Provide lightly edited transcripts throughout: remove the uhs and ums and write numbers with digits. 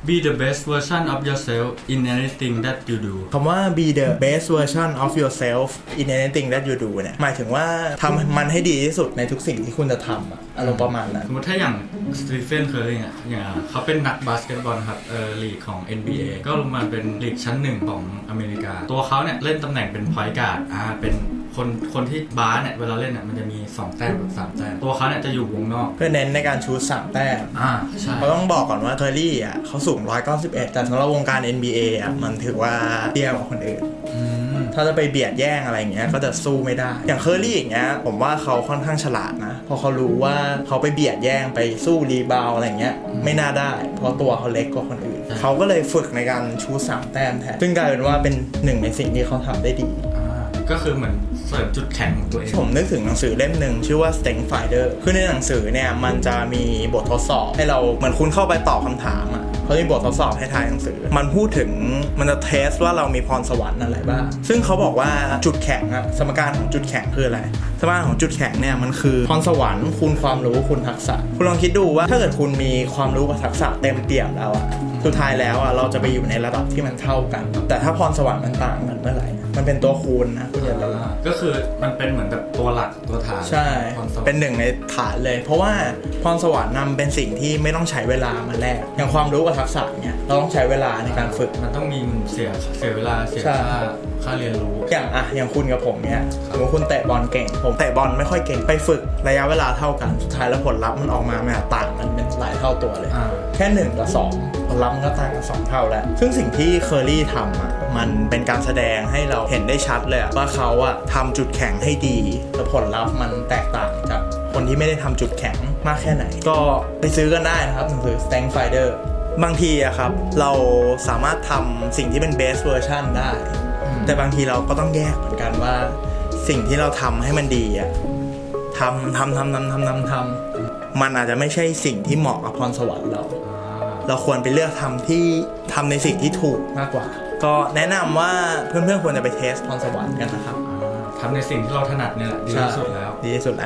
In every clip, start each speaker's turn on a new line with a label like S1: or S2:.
S1: Be the best version of yourself in anything that you do
S2: คำว่า be the best version of yourself in anything that you do เนี่ยหมายถึงว่าทำมันให้ดีที่สุดในทุกสิ่งที่คุณจะทำอารมณ์ประมาณนั้น
S1: สมมติถ้าอย่างสตีเฟนเคอร์ริงอย่างเขาเป็นนักบาสเกตบอลครับลีกของ NBA ก็ลงมาเป็นลีกชั้นหนึ่งของอเมริกาตัวเขาเนี่ยเล่นตำแหน่งเป็นพอยต์การ์ดเป็นคนที่บาสเนี่ยเวลาเล่นเนี่ยมันจะมี2แต้มกับ3แต้มตัวเขาเนี่ยจะอยู่วงนอก
S2: เพื่อเน้นในการชูต3แต้ม
S1: ใช่
S2: เขาต้องบอกก่อนว่าเคอรี่เขาสูง191แต่สำหรับวงการ NBA มันถือว่าเตี้ยกว่าคนอื่นถ้าจะไปเบียดแย่งอะไรอย่างเงี้ยก็จะสู้ไม่ได้อย่างเคอรี่อย่างเงี้ยผมว่าเขาค่อนข้างฉลาดนะพอเขารู้ว่าเขาไปเบียดแย่งไปสู้รีบาวอะไรเงี้ยไม่น่าได้เพราะตัวเขาเล็กกว่าคนอื่นเขาก็เลยฝึกในการชู3แต้มแทนซึ่งกลายเป็นว่าเป็นหนึ่งในสิ่งที่เขาทำได้ดี
S1: ก็คือเหมือนเสริมจุดแข็งของตัวเอง
S2: ผมนึกถึงหนังสือเล่มหนึ่งชื่อว่า Strength Finder คือในหนังสือเนี่ยมันจะมีบททดสอบให้เราเหมือนคุณเข้าไปตอบคำถามเขาจะมีบททดสอบให้ทายหนังสือมันพูดถึงมันจะเทสว่าเรามีพรสวรรค์อะไรบ้างซึ่งเขาบอกว่าจุดแข็งสมการของจุดแข็งคืออะไรสมการของจุดแข็งเนี่ยมันคือพรสวรรค์คูณความรู้คูณทักษะคุณลองคิดดูว่าถ้าเกิดคุณมีความรู้กับทักษะเต็มเปี่ยมแล้วสุดท้ายแล้วเราจะไปอยู่ในระดับที่มันเท่ากันแต่ถ้าพรสวรรค์มันต่างกันเมื่อไหร่มันเป็นตัวคูณนะคุณอย่าลืม
S1: ก็คือมันเป็นเหมือนแบบตัวหลักตัวฐาน
S2: ใช่เป็นหนึ่งในฐานเลยเพราะว่าพรสวรรค์นำเป็นสิ่งที่ไม่ต้องใช้เวลามาแลกอย่างความรู้กับทักษะเนี่ยเราต้องใช้เวลาในการฝึก
S1: มันต้องมีเสียเวลาเสียค่าเรียนรู้
S2: อย่างคุณกับผมเนี่ยสมมติคุณเตะบอลเก่งผมเตะบอลไม่ค่อยเก่งไปฝึกระยะเวลาเท่ากันสุดท้ายแล้วผลลัพธ์มันออกมาต่างกันเป็นหลายเท่าตัวเลยแค่1กับ2ผลลัพธ์มันก็ต่างกัน2เท่าแล้วซึ่งสิ่งที่เคอรี่ทำมันเป็นการแสดงให้เราเห็นได้ชัดเลยว่าเขาทำจุดแข็งให้ดีแต่ผลลัพธ์มันแตกต่างจากคนที่ไม่ได้ทำจุดแข็งมากแค่ไหนก็ไปซื้อกันได้นะครับหนังสือ Strength Finder บางทีครับเราสามารถทำสิ่งที่เป็น best version ได้แต่บางทีเราก็ต้องแยกเหมือนกันว่าสิ่งที่เราทำให้มันดีทำมันอาจจะไม่ใช่สิ่งที่เหมาะกับพรสวรรค์เราควรไปเลือกทำในสิ่งที่ถูกมากกว่าก็แนะนำว่าเพื่อนๆควรจะไปเทสพรสวรรค์กันนะครับ
S1: ทำในสิ่งที่เราถนัดเนี่ยแหละดีที่สุดแล้ว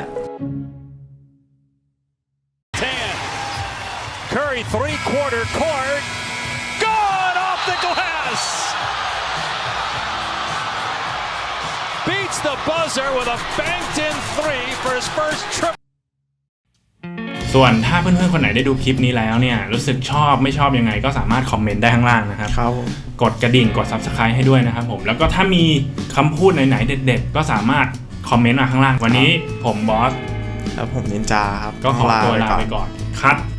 S3: Curry 3/4 court gone off the glass beats the buzzer with a banked in 3 for his first trip
S4: ส่วนถ้าเพื่อนๆคนไหนได้ดูคลิปนี้แล้วเนี่ยรู้สึกชอบไม่ชอบยังไงก็สามารถคอมเมนต์ได้ข้างล่างนะครับกดกระดิ่งกด Subscribe ให้ด้วยนะครับผมแล้วก็ถ้ามีคำพูดไหนๆเด็ดๆก็สามารถคอมเมนต์มาข้างล่างวันนี้ผมบอส
S2: แล้วผมนินจาครับ
S4: ก็ขอตัวลาไปก่อนคัด